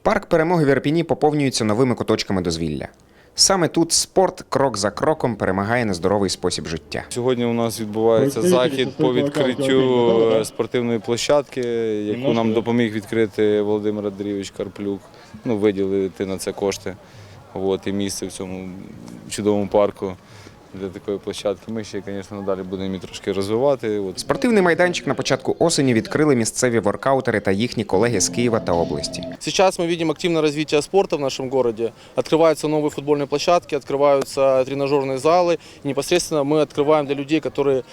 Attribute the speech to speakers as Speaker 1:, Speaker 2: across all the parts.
Speaker 1: Парк Перемоги в Ірпені поповнюється новими куточками дозвілля. Саме тут спорт крок за кроком перемагає на здоровий спосіб життя.
Speaker 2: Сьогодні у нас відбувається захід по відкриттю спортивної площадки, яку нам допоміг відкрити Володимир Андрійович Карплюк, виділити на це кошти. І місце в цьому чудовому парку для такої площадки. Ми ще, звісно, надалі будемо її трошки розвивати.
Speaker 1: Спортивний майданчик на початку осені відкрили місцеві воркаутери та їхні колеги з Києва та області.
Speaker 3: Сейчас мы видим активное развитие спорта в нашем городе. Открываются новые футбольные площадки, открываются тренажерные залы. И непосредственно мы открываем для людей, которые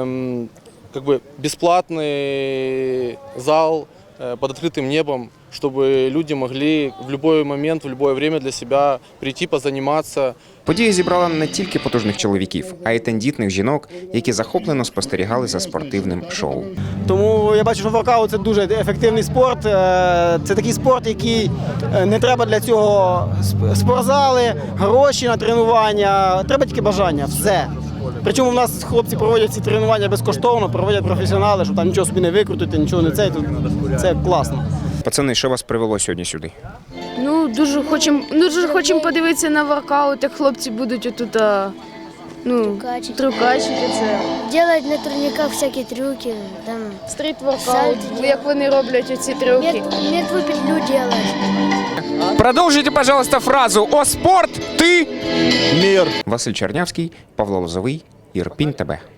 Speaker 3: бесплатный зал под открытым небом, чтобы люди могли в любой момент, в любое время для себя прийти, позаниматься.
Speaker 1: Подія зібрала не тільки потужних чоловіків, а й тендітних жінок, які захоплено спостерігали за спортивним шоу.
Speaker 4: Тому я бачу, що воркаут – це дуже ефективний спорт. Це такий спорт, який не треба для цього спортзали, гроші на тренування, треба тільки бажання, все. Причому в нас хлопці проводять ці тренування безкоштовно, проводять професіонали, щоб там нічого собі не викрутити, нічого не це класно.
Speaker 1: Пацани, що вас привело сьогодні сюди?
Speaker 5: Дуже хочемо подивитися на воркаут, як хлопці будуть отут трюкачити це.
Speaker 6: Делать на турниках всякі трюки, там
Speaker 5: Стріт-воркаут, як вони роблять оці трюки.
Speaker 6: мертвую петлю делать.
Speaker 1: Продовжуйте, пожалуйста, фразу «О спорт, ти...» Мир. Василь Чернявський, Павло Лозовий, Ірпінь ТБ.